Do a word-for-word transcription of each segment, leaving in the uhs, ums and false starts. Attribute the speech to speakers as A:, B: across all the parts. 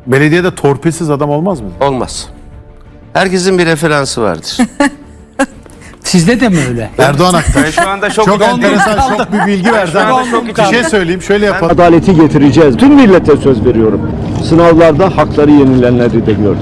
A: Belediyede torpilsiz adam olmaz mı?
B: Olmaz. Herkesin bir referansı vardır.
C: Sizde de mi öyle?
A: Erdoğan Aktaş.
B: Ben şu anda çok
A: Çok enteresan,
C: kaldım.
A: çok bir bilgi verdi.
B: şu anda
A: ama
B: çok
A: Bir
B: içim-
A: şey söyleyeyim, şöyle yapalım.
D: Adaleti getireceğiz. Tüm millete söz veriyorum. Sınavlarda hakları yenilenleri de gördük.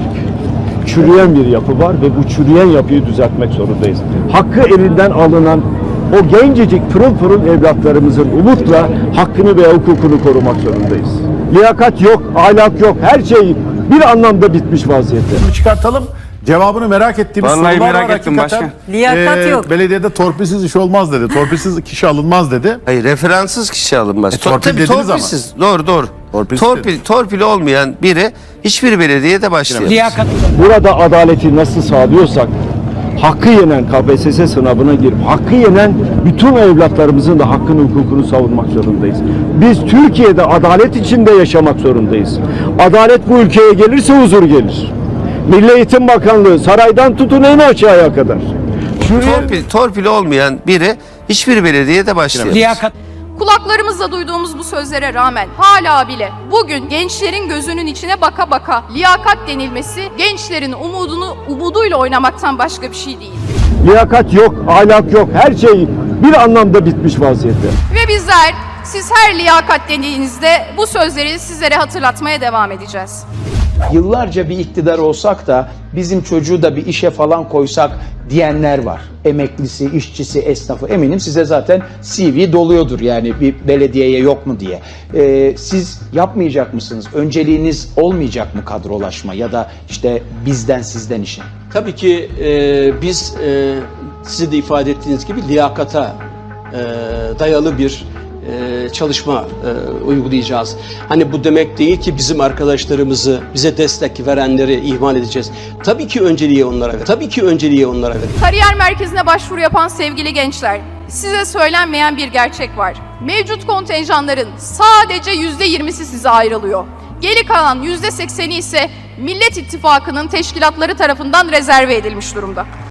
D: Çürüyen bir yapı var ve bu çürüyen yapıyı düzeltmek zorundayız. Hakkı elinden alınan o gencecik pırıl pırıl evlatlarımızın umutla hakkını ve hukukunu korumak zorundayız. Liyakat yok, ahlak yok, her şey bir anlamda bitmiş vaziyette.
A: Bunu çıkartalım. Cevabını merak ettiğimiz
B: Vallahi
A: sorular
B: merak
A: var
B: ettim
A: hakikaten.
B: başkan.
E: Liyakat yok.
A: Belediyede torpilsiz iş olmaz dedi. Torpilsiz kişi alınmaz dedi.
B: Hayır, referansız kişi alınmaz.
A: E, torpil
B: Tabii
A: dediniz ama.
B: torpilsiz. Doğru doğru.
A: Torpilsiz
B: Torpil, torpil olmayan biri hiçbir belediyede başlayamaz.
C: Liyakat.
D: Burada adaleti nasıl sağlıyorsak, hakkı yenen K P S S sınavına girip, hakkı yenen bütün evlatlarımızın da hakkını, hukukunu savunmak zorundayız. Biz Türkiye'de adalet içinde yaşamak zorundayız. Adalet bu ülkeye gelirse huzur gelir. Milli Eğitim Bakanlığı saraydan tutun en aşağıya kadar. Şuraya...
B: Torpil, torpil olmayan biri hiçbir belediyede başlayamaz.
C: Liyakat.
F: Kulaklarımızla duyduğumuz bu sözlere rağmen hala bile bugün gençlerin gözünün içine baka baka liyakat denilmesi gençlerin umudunu umuduyla oynamaktan başka bir şey değil.
D: Liyakat yok, ahlak yok, her şey bir anlamda bitmiş vaziyette.
F: Ve bizler siz her liyakat dediğinizde bu sözleri sizlere hatırlatmaya devam edeceğiz.
G: Yıllarca bir iktidar olsak da bizim çocuğu da bir işe falan koysak diyenler var. Emeklisi, işçisi, esnafı, eminim size zaten C V doluyordur yani bir belediyeye yok mu diye. Ee, siz yapmayacak mısınız? Önceliğiniz olmayacak mı kadrolaşma ya da işte bizden sizden işe?
H: Tabii ki e, biz e, sizin de ifade ettiğiniz gibi liyakata e, dayalı bir e, çalışma e, uygulayacağız. Hani bu demek değil ki bizim arkadaşlarımızı, bize destek verenleri ihmal edeceğiz. Tabii ki önceliği onlara ver. Tabii ki önceliği onlara ver.
F: Kariyer merkezine başvuru yapan sevgili gençler, size söylenmeyen bir gerçek var. Mevcut kontenjanların sadece yüzde yirmisi size ayrılıyor. Geri kalan yüzde sekseni ise Millet İttifakı'nın teşkilatları tarafından rezerve edilmiş durumda.